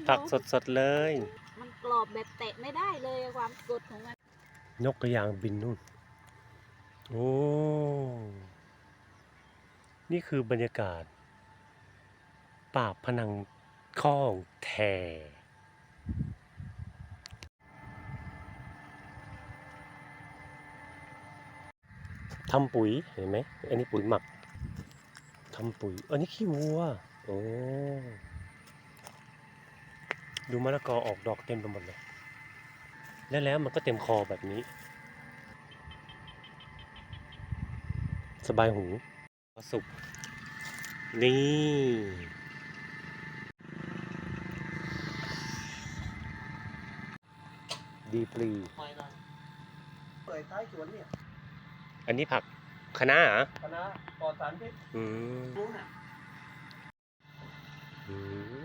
ผักสดๆเลยมันกรอบแบบแตะไม่ได้เลยความสดของมันนกกระยางบินนู่น โอ้ นี่คือบรรยากาศปากพนังข้องแททำปุ๋ยเห็นไหม อันนี้ปุ๋ยหมัก ทำปุ๋ย อันนี้ขี้วัว โอ้ ดูมะละกอออกดอกเต็มไปหมดเลย แล้วมันก็เต็มคอแบบนี้ สบายหูสุก นี่ ดีปรีเปิดท้ายสวนเนี่ยอันนี้ผักคะน้าเหรอคณะปลอดสารพิษอืมรู้น่ะอืม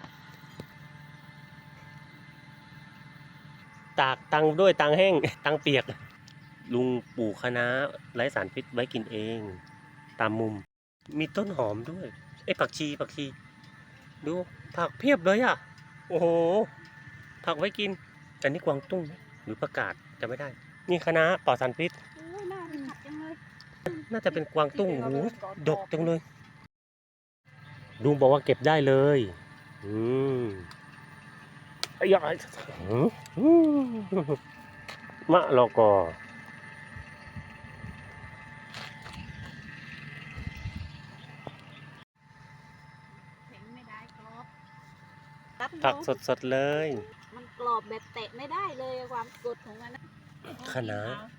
ตากตังด้วยตังแห้ง ตังเปียก ลุงปลูกคะน้าไร้สารพิษไว้กินเอง ตามมุม มีต้นหอมด้วย ผักชี ดู ผักเพียบเลยอ่ะ โอ้โห ผักไว้กิน อันนี้กวางตุ้งไหมหรือประกาศจะไม่ได้ นี่คะน้าปลอดสารพิษโอ้ยน่าไปผัดจังเลยน่าจะเป็นกวางตุ้งโอ้โหดกจังเลย ลุงบอกว่าเก็บได้เลย อืมไอ้ยายมะละกอแข็งไม่ได้กรอบผักสดๆเลยมันกรอบแบบแตะไม่ได้เลยความสดของมันคะน้า